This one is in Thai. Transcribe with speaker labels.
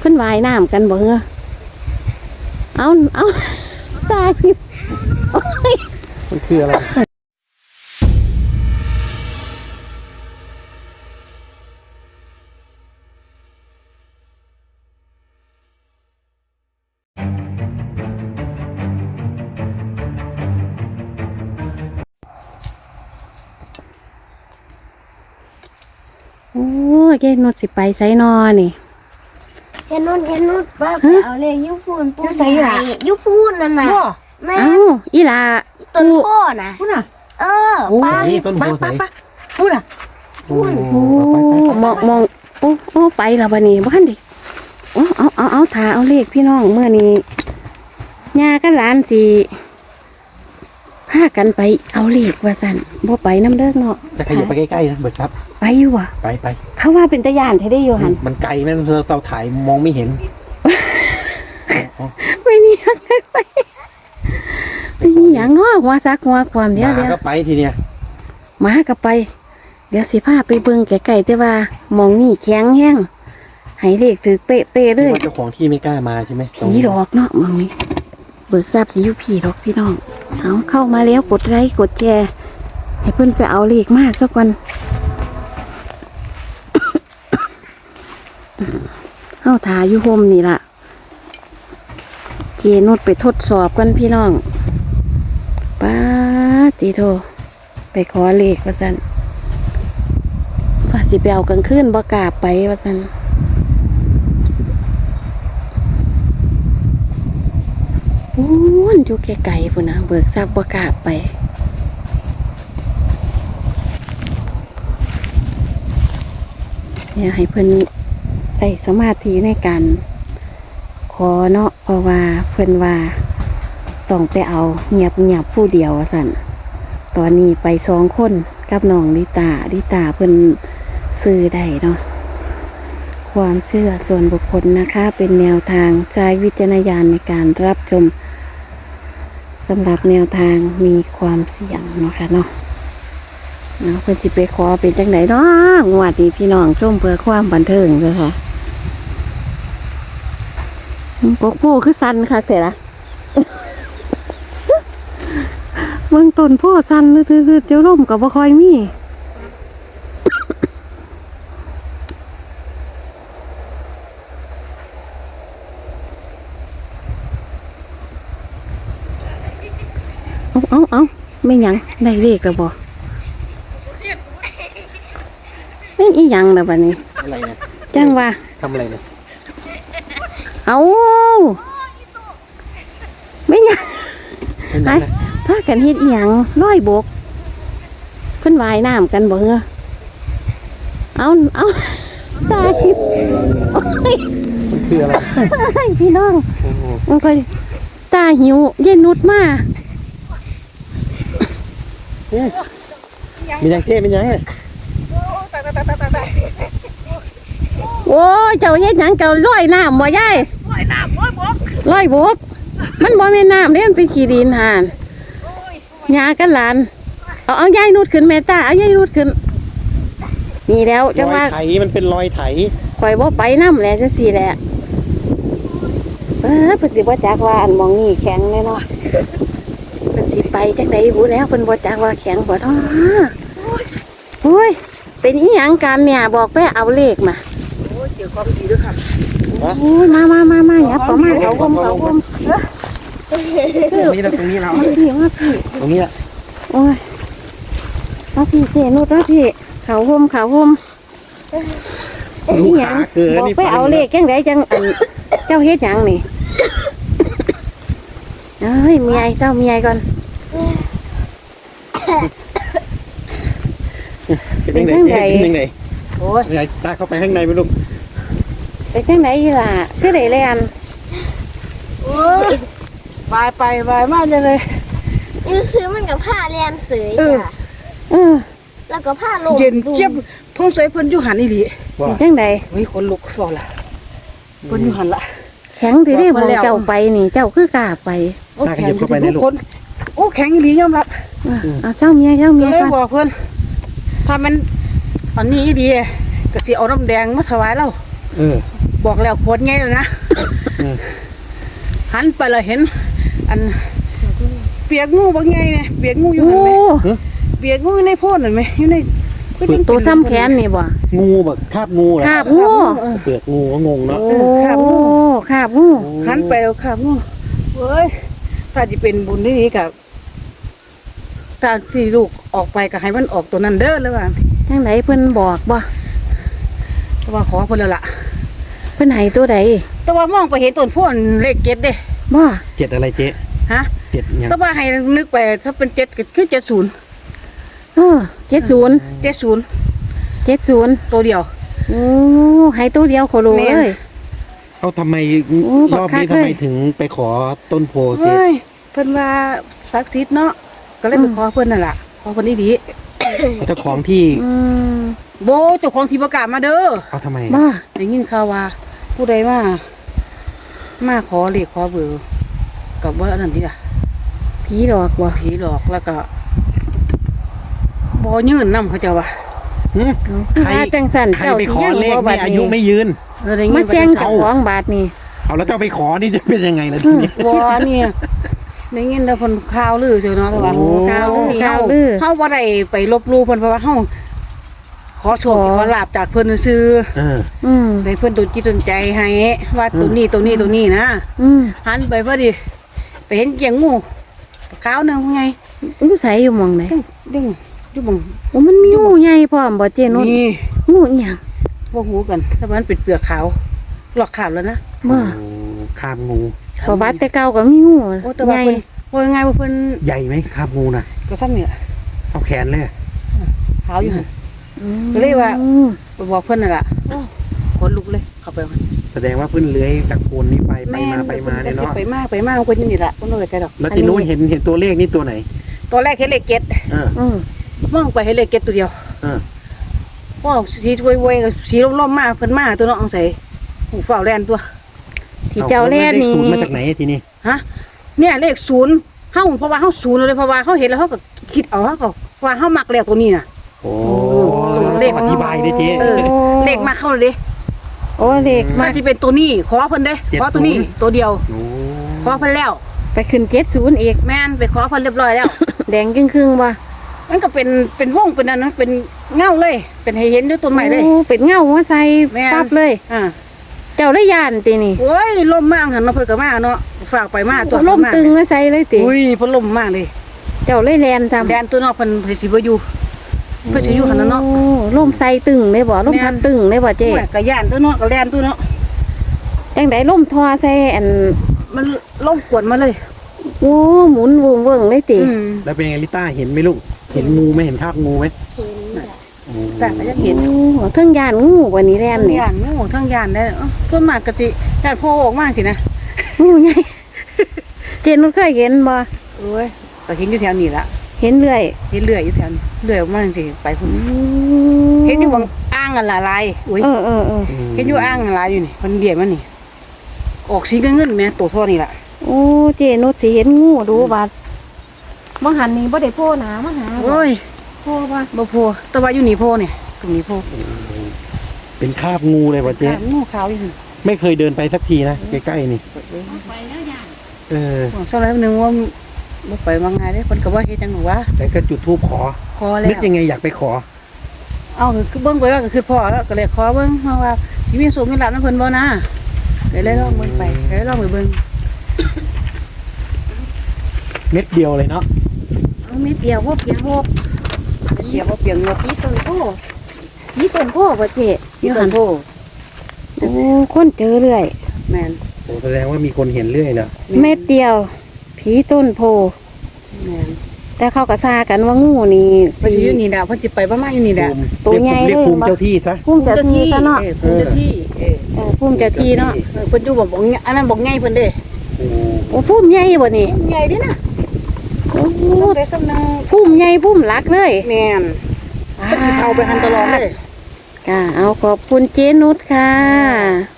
Speaker 1: พิ่นว่ายน้ำกันบ่เหรอเอาตายโอ้ย
Speaker 2: มันคืออะไร
Speaker 1: โอ้ยแกนุดสิไปไสนอนี่
Speaker 3: แค่นู้นป้าไปเอาเลยยุพูนปูใส่ไหนยุพูนนั่นน่ะแม่
Speaker 1: อีหลา
Speaker 3: ต้นโพน่ะ
Speaker 4: พูดน่ะ
Speaker 3: ป้า
Speaker 2: ต้นโพใส่
Speaker 4: พูดน่ะ
Speaker 1: โอ้มองโอ้ไปแล้วบัดนี้บ่ทันได้เอาถ่าเอาเลขพี่น้องเมื่อนี้ย่ากับหลานสิพากันไปเอาเลขว่าซั่นบ่ไปน้ำเด้อเนาะ
Speaker 2: จะขยับไปใกล้ๆนะเบิดครับ
Speaker 1: ไปอยู่ว่ะ
Speaker 2: ไป
Speaker 1: เขาว่าเป็นตะย่านแท้ได้อยู่หั่น
Speaker 2: มันไกลแม่เราถ่ายมองไม่เห็น
Speaker 1: ไม่นี่ยังไปไม่นี่ยังเนาะหัวซักหัวความเดี๋ยว
Speaker 2: ก็ไปทีเนี้ย
Speaker 1: มาก็ไปเดี๋ยวสิพาไปเบิ่งไกลๆแต่ว่ามองนี่แข็งแห้งให้เลขถือเป๊ะๆเลย
Speaker 2: เจ้าของที่ไม่กล้ามาใช่ไหม
Speaker 1: ผีหลอกเนาะมองนี่เบิกทราบสิอยู่ผีหรอกพี่น้องเอาเข้ามาแล้วกดไลค์กดแชร์ให้เพิ่นไปเอาเลขมาสักวันเข้าถ่ายอยู่โฮมนี่ล่ะเจนุดไปทดสอบกันพี่น้องป้าตีโทไปขอเลขว่าซั่นว่าสิไปเอากลางคืนบ่กล้าไปว่าซั่นปูนอยู่ไกลๆพุ่นนะเบิกทราบบ่กล้าไปเนี่ยให้เพิ่นใส่สมาธิในการขอเนาะเพราะว่าเพิ่นว่าต้องไปเอาเงียบผู้เดียวสั่นตอนนี้ไป2 คนกับน้องลิตาเพิ่นซื้อได้เนาะความเชื่อส่วนบุคคลนะคะเป็นแนวทางใช้วิจารณญาณในการรับชมสำหรับแนวทางมีความเสี่ยงเนาะค่ะเนาะเพิ่นสิไปขอเป็นจังไดเนาะงวดนี้พี่น้องชมเพื่อความบันเทิงเลยค่ะกกโพคือสันค่ะเสร็จละเมืองต้นโพสันคือเจ้าล่มกับบ่คอยมีเอาไม่หยังได้เลขแล้วบ่ไม่อีหยังแล้วบัดนี้
Speaker 2: อะไรเนี่ย
Speaker 1: จังว่า
Speaker 2: ทำอะไรเนี่ย
Speaker 1: เอาไม่หยังไอ้ถ้ากันเฮ็ดอีหยังร้อยบกเพิ่นว่ายน้ำกันบ่เหรอเอาตาย
Speaker 2: มันคืออะไร
Speaker 1: พี่น้องมันก็ตาหิวเย็นนุดมา
Speaker 2: มียังเท่มียังเลย
Speaker 1: โอ้ยเจ้าเฮ็ดหยังเจ้าลอยน้ำบ่ยายลอยบกมันบ่แม่นน้ำเด้มันเป็นขี้ดินห่านยากันหลานเอายายนุดขึ้นแม่ตาเอายายนุดขึ้นนี่แล้วจังว่า
Speaker 2: ไถมันเป็นรอยไถ
Speaker 1: ข่อยบ่ไปน้ำแหละจังซี่แหละเพิ่นสิบ่จักว่าอันมองนี่แข็งแน่เนาะเพิ่นสิไปจังได๋บ่แล้วเพิ่นบ่จักว่าแข็งบ่ท้อโอ้ยเป็นอีหยังกันเนี่ยบอกไปเอาเลขมา
Speaker 4: โอ้ยเกี่ยวความดีด้วยค่ะ
Speaker 1: โอ้ยมายับเข้ามาเขาวม
Speaker 2: ตรงนี้เรา
Speaker 1: มาพี่
Speaker 2: ตรงนี้แหละ
Speaker 1: โอ้ยมาพี่เจนุดมาพี่เขาวมอีหยังบอกไปเอาเลขจังไดจังอันเจ้าเฮ็ดหยังนี่เอ้ยมีไอ้เจ้ามีไอ้ก่อน
Speaker 2: เป็นจังไดโอ้ยตาเข้าไปข้างในไหมลูก
Speaker 1: เป็นจังไดอีหล่ะคือได้เลยอัน
Speaker 4: โอ้ยบายไปบายมากเลย
Speaker 3: ยูซื้อมันกับผ้าแลนเสยจ้ะแล้วก็ผ้าลง
Speaker 4: เย็นเจี๊ยบท้องใส่เพิ่นอยู่หันอีหลี
Speaker 1: เป็นจังได
Speaker 4: เฮ้ยคนลุกฟอละเพิ่นอยู่หันละ
Speaker 1: แข็งที่ได้บอกเจ้าไปนี่เจ้าคือกล้าไป
Speaker 4: แข็งเข้าไปในลูกคนโอ้แข็งอีหลียอมรับ
Speaker 1: เอาเจ้าเมีย
Speaker 4: เลยบอกเพิ่นถ้ามันอันนี้ดีก็สิเอาน้ำแดงมาถวายเราบอกแล้วโคตรไงเลยนะ หันไปเลยเห็น อันเปียกงูบางไงเนี่ยเปียกงูอยู่
Speaker 1: โอ้
Speaker 4: หันไหมเปียกงูอยู่ในโพดเห็นไหมอยู่ในก็ยัง
Speaker 1: ตัวซ้ำแขนนี่บ่
Speaker 2: งูแบบคาบงูเหรอ
Speaker 1: คาบงู
Speaker 2: เปลือกงูก็งงเนาะ
Speaker 1: โอ้คาบงู
Speaker 4: หันไปแล้วครับงูเว้ยถ้าจะเป็นบุญที่นี้กับถ้าที่ลูกออกไปก็ให้มันออกตัวนั้นเด้อเลยว่า
Speaker 1: จังไดเพิ่นบอกบ่
Speaker 4: แต่ว่าขอเพิ่นแล้วล่ะ
Speaker 1: เพิ่นให้ตัวใด
Speaker 4: แต่ว่ามองไปเห็นต้นโพนเลขเจ็ดเด้
Speaker 1: บ่
Speaker 2: เจ็ดอะไรเจ๊
Speaker 4: ฮะ
Speaker 2: เจ็ดยัง
Speaker 4: แต่ว่าให้นึกไปถ้าเป็นเจ็ดก็คือ70
Speaker 1: 70
Speaker 4: 70ตัวเดียว
Speaker 1: โอ้ให้ตัวเดียวโคโล
Speaker 4: แม่น
Speaker 1: เลย
Speaker 2: เขาทำไม
Speaker 1: โอ้
Speaker 2: รอบนี้
Speaker 1: บักคัก
Speaker 2: ทำไม
Speaker 1: เลย
Speaker 2: ถึงไปขอต้นโพเจ๊
Speaker 4: เฮ้ยเพิ่นว่าศักดิ์สิทธิ์เนาะก็เลยไปขอเพิ่นนั่นล่ะขอเพิ่นดี
Speaker 2: เจ้าของที่
Speaker 1: อืม
Speaker 4: ๆโบเจ้าของที่ประกาศมาเด้อ
Speaker 2: เอาทำไม
Speaker 1: บ่
Speaker 4: ได้ยินข่าวว่า ผู้ใดมาขอเลขขอเบอร์กับว่าอันนั้นนี่ล่ะ
Speaker 1: ผีหลอกบ่
Speaker 4: ผีหลอกแล้วก็บ่ยืนนำเขาเจ้าว่า
Speaker 2: หึ
Speaker 1: เอาคือว่าจังสั่น
Speaker 2: ใคร
Speaker 1: เจ้า
Speaker 2: ไป
Speaker 1: สิ
Speaker 2: ขอ
Speaker 1: ยัง
Speaker 2: เล
Speaker 1: บ่
Speaker 2: ข
Speaker 1: บั
Speaker 2: ไม่
Speaker 1: ด
Speaker 2: อายุ
Speaker 1: นี้
Speaker 2: ไม่ยืน
Speaker 4: ได้ยิน
Speaker 1: มาแซง
Speaker 4: ไป
Speaker 1: เจ้าของบาทนี่
Speaker 2: เอาแล้วเจ้าไปขอนี่จะเป็นยังไงล่ะทีนี้
Speaker 4: บ่เนี่ยได้ยินแต่เพิ่นข่าวลือเจ้าเนาะแต่ว่า
Speaker 2: โอ้
Speaker 1: ข่าวลือ
Speaker 4: นี่
Speaker 1: ข่า
Speaker 4: เฮาว
Speaker 1: ลือ
Speaker 4: เฮาบ่ได้ไปลบหลู่เพิ่นเพราะว่าเฮาขอโชคขอลาบจากเพิ่นซื่อ
Speaker 2: เออ
Speaker 1: อืม
Speaker 4: ให้เพิ่นดลจิตดลใจให้ว่าตัวนี้นะ
Speaker 1: อืม
Speaker 4: หันไปพอดีไปเห็นเกียงงูขาวหนึงไง
Speaker 1: รู้ใสอยู่หม่องไหน
Speaker 4: ดึงอยู่บัง
Speaker 1: โอ้มันมีงูใหญ่พร้อมบ่เจนุช
Speaker 4: นี่
Speaker 1: งูอีหยัง
Speaker 4: บ่หูกันถ้ามันเป็นเปลือกขาวหลอกขาวแล้วนะ
Speaker 1: บ่
Speaker 2: โอ้คาบงู
Speaker 1: ประวัติแต่เก่าก็มีงู
Speaker 4: โอ้แต่ว่า
Speaker 1: ใหญ่
Speaker 4: เพิ่นว่าไงว่าเพิ่น
Speaker 2: ใหญ่ไหมคาบงูน่ะ
Speaker 4: ก็ซ้ำนี่ล่ะ
Speaker 2: เอาแขนเลย
Speaker 4: ขาวอยู่หั่น
Speaker 1: อืม
Speaker 4: ก็เลยว่า ไปบอกเพิ่นนั่นล่ะขนลุกเลยเข้าไปว่า
Speaker 2: แสดงว่าเพิ่นเลื้อยจากโคนนี้ไปมาเนี่ยเนาะ
Speaker 4: ไปมาเพิ่นอยู่นี่ล่ะเพิ่นบ่ได้ไกลดอก
Speaker 2: แล้วทีนู้นเห็นตัวเลขนี่ตัวไหน
Speaker 4: ตอนแรกเห็นเลขเจ็ด
Speaker 2: เออ
Speaker 1: อืม
Speaker 4: มองไปเห็นเลขเจ็ดตัวเดียว
Speaker 2: เออ
Speaker 4: ว้าวสีช่วยๆกับสีล่มๆมาเพิ่นมาตัวเนาะเอาใส่หูฝ้าวแล่นตัว
Speaker 1: ที่เจ้าแล่นนี่
Speaker 2: ศูนย์มาจากไหนทีนี้
Speaker 4: ฮะเนี่ยเลขศูนย์เฮาเพราะว่าเฮาศูนย์เลยเพราะว่าเฮาเห็นแล้วเฮาก็คิดเอาเฮาก็ว่าเฮามักแล้วตัวนี้น่ะ
Speaker 2: โอ้
Speaker 4: เลข
Speaker 2: อธิบายได้เจ๊
Speaker 4: เออเลขมาเข้าเลยดิ
Speaker 1: โอ้เด็ก
Speaker 4: มา
Speaker 1: มา
Speaker 4: ที่เป็นตัวนี้ขอเพิ่นเด้ขอตัวนี้ตัวเดียว
Speaker 2: โอ้
Speaker 4: ขอเพิ่นแล้ว
Speaker 1: ไปขึ้น70อีก
Speaker 4: แม่นไปขอเพิ่นเรียบร้อยแล้ว
Speaker 1: แดงครึ่งๆบ่
Speaker 4: มันก็เป็นวงเป็นอันนั้นเป็นเงาเลย เป็นให้เห็นด้วยต้นไม้เลย
Speaker 1: โอ้เป็นเงาหัวใส่
Speaker 4: แม่น
Speaker 1: ปั๊บเลย
Speaker 4: อ่า
Speaker 1: เจ้าได้ย่านตินี่
Speaker 4: โอ้ยลมมากหันเนาะเพิ่นก็มาเนาะฝากไปมาตัว
Speaker 1: ล่มตึงหัวใส่เลยติ
Speaker 4: อุ้ยเพิ่นลมมากเลย
Speaker 1: เจ้าเลยแลนทำ
Speaker 4: แดนตัวเนาะเพิ่นสิบ่อยู่เพิ่นสิอยู่หั่นน่ะเนาะ
Speaker 1: โอ้ล่มใส่ตึงเลยบ่ล่ม
Speaker 4: แม่น
Speaker 1: พัดตึงเลยบ่เจ๊
Speaker 4: โอ้ยก็ย่านตัวเนาะก็แดนตัวเนาะ
Speaker 1: จังไดล่มทอใส่อัน
Speaker 4: มันลมกวนมาเลย
Speaker 1: โอ้หมุนวงเวิงเลยติ
Speaker 4: อืม
Speaker 2: แล้วเป็นไงลิต้าเห็นไหมลูก เห็นงูไหมเห็นคาบงูไหมโอ้
Speaker 4: แต่ก็ยังเห็น
Speaker 1: โอ้เทิงย่านงูกว่านี้แล่น
Speaker 4: ทั้ง
Speaker 1: นี่
Speaker 4: ย่านงูทั้งย่านได้ส่วนมากก็สิย่านโผล่ออกมาสินะ
Speaker 1: งูใหญ่ เจนุชเคยเห็นบ่
Speaker 4: โอ้ยก็เห็นอยู่แถวนี้ล่ะ
Speaker 1: เห็นเรื่อย
Speaker 4: เห็นเลื่อยอยู่แถวนี้เลื่อยออกมาจังซี่ไปพุ่นเห็นอยู่บางอ่างอันละลายอุ้ย
Speaker 1: เออ
Speaker 4: เห็นอยู่อ่างอันละลายอยู่นี่เพิ่นเดียมันนี่ออกสีเงินๆแม่ตัวเท่อนี่ล่ะ
Speaker 1: โอ้เจนุชสิเห็นงูดูบัดบ่หันนี่บ่ได้โผล่หนามาหาบ่
Speaker 4: โอ้ย
Speaker 1: โผล่บ่
Speaker 4: บ่โพแต่ว่าอยู่นี่โพนี่ตรงนี้โพ
Speaker 2: เป็นคาบงูเลยป่ะเจ๊
Speaker 4: งูขาวอยู่นี่
Speaker 2: ไม่เคยเดินไปสักทีนะใกล้ๆนี่เออ
Speaker 4: ผมสักแล้วนึงว่าบ่ไปว่าไงเด้เพิ่นก็ว่าเฮ็ดจังหนูวะ
Speaker 2: แต่ก็จุดธูปขอ
Speaker 4: ขอแล้ว
Speaker 2: นึกยังไงอยากไปขอ
Speaker 4: เอาคือเบิ่งไปว่าก็คือพ่อแล้วก็เลยขอเบิ่งเพราะว่าสิมีสูงเงินหลานนำเพิ่นบ่นะก็เลยลองเบิ่งไปก็เลยลองไปเบิ่ง
Speaker 2: เม็ดเดียวเลยเนาะ
Speaker 1: เอาไม่เปียวบ่เปียกบ่
Speaker 4: เดี๋ยวบ่เปียงเงบ
Speaker 1: นี่ต้นโพนี่ต้นโพบ่เจ๊
Speaker 4: ที่ต้นโพ
Speaker 1: โอ้คนเจอเรื่อย
Speaker 4: แม่น
Speaker 2: โอ้แสดงว่ามีคนเห็นเรื่อยเนาะ
Speaker 1: เม็ดเดียว ผีต้นโพ
Speaker 4: แม่น
Speaker 1: แต่เขาก็ซากันว่างูนี่
Speaker 4: เพิ่นสิอยู่นี่ดะเพิ่นสิไปประมาณอยู่นี่ดะ
Speaker 1: ตัวใหญ่
Speaker 2: เรียกภูมิ
Speaker 1: เลย
Speaker 2: เจ้าที่ซะ
Speaker 1: พุ่มเจะทีซะเนาะ
Speaker 4: ภูมิเจ้าที่
Speaker 1: พุ่มเจะทีเนาะ
Speaker 4: เพิ่นอยู่บอกอันนั้นบอกไงเพิ่นเด้
Speaker 2: โอ้
Speaker 1: โอ้พุ่มใหญ่บ่นี่
Speaker 4: ใหญ่ดินะ
Speaker 1: โอ้
Speaker 4: พูดได้สำนึก
Speaker 1: พุ่มใหญ่พุ่มหลักเลย
Speaker 4: แม่นเพิ่นสิเข้าไปหันตลอดเลย
Speaker 1: ค่ะเอาขอบคุณเจนุชค่ะ